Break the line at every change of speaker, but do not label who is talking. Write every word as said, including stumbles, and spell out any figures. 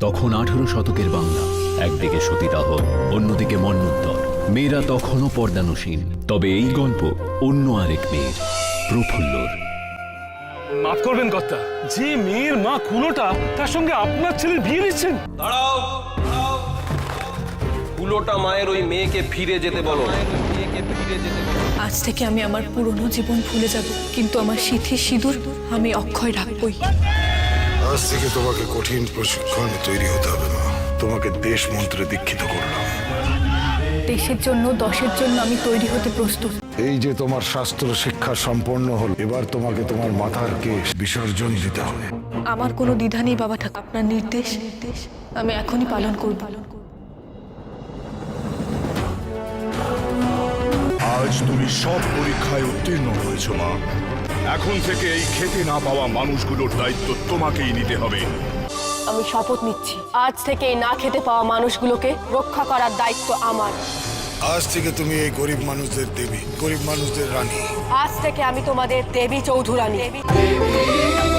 তখন আঠারো শতকের বাংলা, একদিকে সতীদাহ, অন্যদিকে মন্বন্তর। মেয়েরা তখনও পর্দানুসীন। তবে এই গল্প অন্য আরেক মেয়ের, প্রফুল্লর।
মাফ করবেন কর্তা, যে মেয়ের মা কুলোটা, তার সঙ্গে আপনার ছেলের বিয়ে দিচ্ছেন?
দাঁড়াও, দাঁড়াও। কুলোটা মায়ের ওই মেয়েকে ফিরে যেতে বলো।
আজ থেকে আমি আমার পুরনো জীবন ভুলে যাব, কিন্তু আমার সিথি সিঁদুর আমি অক্ষয় রাখবই।
আজ থেকে তোমাকে কঠিন প্রশিক্ষণ তৈরি হতে হবে মা। তোমাকে দেশ মন্ত্রে দীক্ষিত করলাম।
দেশের জন্য, দশের জন্য আমি তৈরি হতে প্রস্তুত।
এই যে তোমার শাস্ত্র শিক্ষা সম্পন্ন হল, এবার তোমাকে তোমার মাথার কেশ বিসর্জন দিতে হবে।
আমার কোনো দ্বিধা নেই বাবা ঠাকুর, আপনার নির্দেশ নির্দেশ আমি এখনই পালন করব।
আজ তুমি সব পরীক্ষায় উত্তীর্ণ হয়েছ মা। এখন থেকে এই খেতে না পাওয়া মানুষগুলোর দায়িত্ব তোমাকেই নিতে হবে।
আমি শপথ নিচ্ছি, আজ থেকে এই না খেতে পাওয়া মানুষগুলোকে রক্ষা করার দায়িত্ব আমার।
আজ থেকে তুমি এই গরিব মানুষদের দেবী, গরিব মানুষদের রানী।
আজ থেকে আমি তোমাদের দেবী চৌধুরানী।